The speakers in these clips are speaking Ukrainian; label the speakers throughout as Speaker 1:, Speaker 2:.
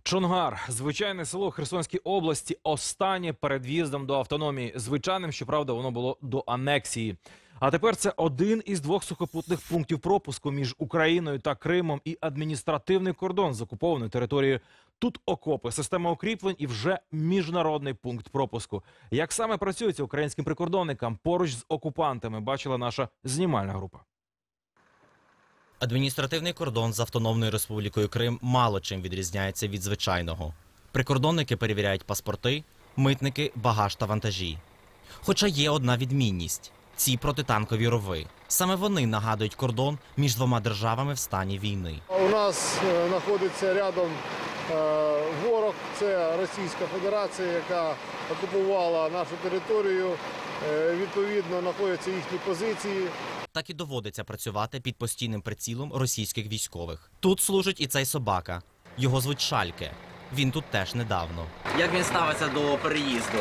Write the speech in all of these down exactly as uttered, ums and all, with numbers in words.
Speaker 1: Чонгар – звичайне село Херсонській області, останнє перед в'їздом до автономії. Звичайним, щоправда, воно було до анексії. А тепер це один із двох сухопутних пунктів пропуску між Україною та Кримом і адміністративний кордон з окупованою територією. Тут окопи, система укріплень і вже міжнародний пункт пропуску. Як саме працюється українським прикордонникам поруч з окупантами, бачила наша знімальна група.
Speaker 2: Адміністративний кордон з Автономною Республікою Крим мало чим відрізняється від звичайного. Прикордонники перевіряють паспорти, митники – багаж та вантажі. Хоча є одна відмінність – ці протитанкові рови. Саме вони нагадують кордон між двома державами в стані війни.
Speaker 3: У нас знаходиться рядом ворог, це Російська Федерація, яка окупувала нашу територію. Відповідно, знаходяться їхні позиції.
Speaker 2: Так і доводиться працювати під постійним прицілом російських військових. Тут служить і цей собака. Його звуть Шальке. Він тут теж недавно. Як він ставиться до переїзду?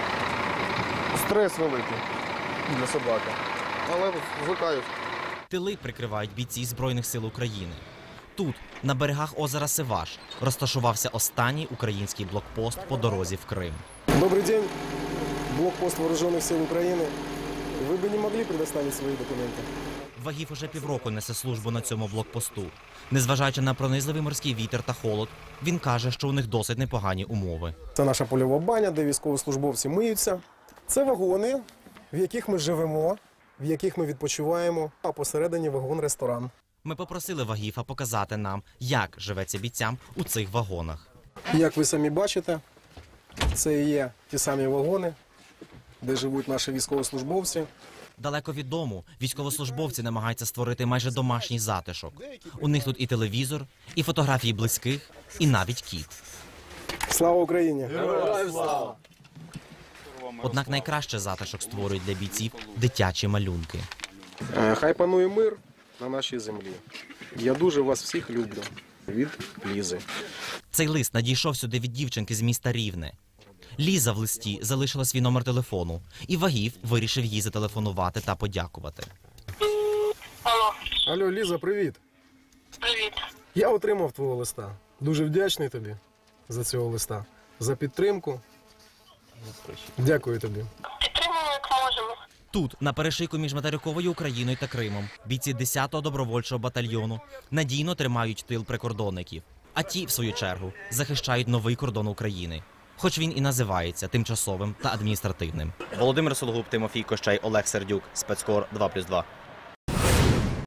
Speaker 3: Стрес великий для собаки, але звикають.
Speaker 2: Тили прикривають бійці Збройних сил України. Тут, на берегах озера Сиваш, розташувався останній український блокпост по дорозі в Крим.
Speaker 4: Добрий день, блокпост Вооружених сил України. Ви б не могли предоставити свої документи?
Speaker 2: Вагів уже півроку несе службу на цьому блокпосту. Незважаючи на пронизливий морський вітер та холод, він каже, що у них досить непогані умови.
Speaker 4: Це наша польова баня, де військовослужбовці миються. Це вагони, в яких ми живемо, в яких ми відпочиваємо, а посередині вагон-ресторан.
Speaker 2: Ми попросили Вагіфа показати нам, як живеться бійцям у цих вагонах.
Speaker 4: Як ви самі бачите, це і є ті самі вагони, де живуть наші військовослужбовці.
Speaker 2: Далеко від дому військовослужбовці намагаються створити майже домашній затишок. У них тут і телевізор, і фотографії близьких, і навіть кіт.
Speaker 4: Слава Україні!
Speaker 3: Героям слава!
Speaker 2: Однак найкраще затишок створюють для бійців дитячі малюнки.
Speaker 4: Хай панує мир на нашій землі. Я дуже вас всіх люблю. Від Лізи.
Speaker 2: Цей лист надійшов сюди від дівчинки з міста Рівне. Ліза в листі залишила свій номер телефону, і Вагів вирішив їй зателефонувати та подякувати.
Speaker 5: Алло.
Speaker 4: Алло, Ліза, привіт.
Speaker 5: Привіт.
Speaker 4: Я отримав твого листа. Дуже вдячний тобі за цього листа, за підтримку. Дякую тобі.
Speaker 5: Підтримуємо, як можемо.
Speaker 2: Тут, на перешийку між материковою Україною та Кримом, бійці десятого добровольчого батальйону надійно тримають тил прикордонників. А ті, в свою чергу, захищають новий кордон України. Хоч він і називається тимчасовим та адміністративним. Володимир Сологуб, Тимофій Кощай, Олег Сердюк, Спецкор два плюс два.